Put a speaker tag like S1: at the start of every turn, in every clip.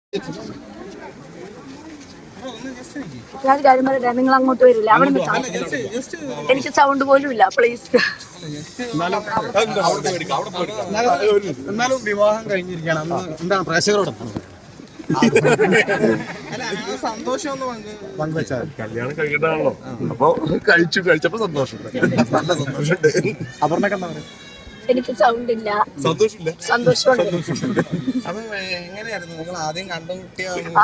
S1: ഞാൻ കാര്യം പറയട്ടെ, നിങ്ങൾ അങ്ങോട്ട് വരില്ല. അവിടെ എനിക്ക് സൗണ്ട് പോലും ഇല്ല. പ്ലീസ്.
S2: എന്നാലും വിവാഹം കഴിഞ്ഞിരിക്കുകയാണ്. എന്താണ് പ്രേക്ഷകരോട് സന്തോഷം പങ്കുവെച്ചാൽ?
S3: കല്യാണം കഴിക്കട്ടാണല്ലോ, അപ്പൊ കഴിച്ചപ്പോ സന്തോഷം, നല്ല സന്തോഷമുണ്ട്.
S2: അപർണക്ക് എന്താ പറയുക?
S1: എനിക്ക് സൗണ്ട് ഇല്ല.
S3: സന്തോഷമില്ല,
S1: സന്തോഷമുണ്ട്.
S2: അപ്പൊ എങ്ങനെയായിരുന്നു നിങ്ങൾ ആദ്യം കണ്ടുമുട്ടിയ?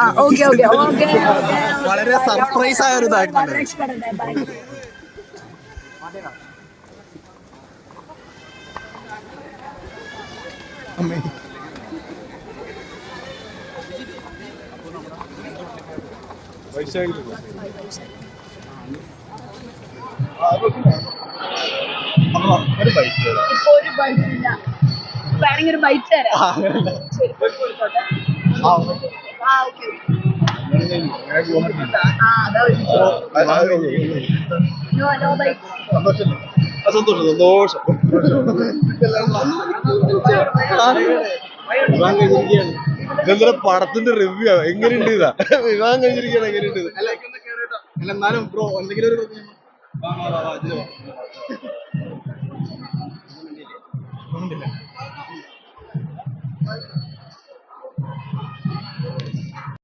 S2: വളരെ സർപ്രൈസ് ആയ ഒരു ഇതായിരുന്നു.
S3: ഒരു ബൈക്ക്
S1: ഇപ്പൊ ഒരു ബൈറ്റ് ഇല്ല. വേണമെങ്കിൽ ഒരു ബൈറ്റ് തരാം.
S3: സന്തോഷം. ഇതെന്താ പടത്തിന്റെ റിവ്യൂ എങ്ങനെയുണ്ട്? ഇതാ വിവാഹം കഴിഞ്ഞിരിക്കുകയാണ്, എങ്ങനെയുണ്ട്?
S2: എന്നാലും ബ്രോ എന്തെങ്കിലും ഒരു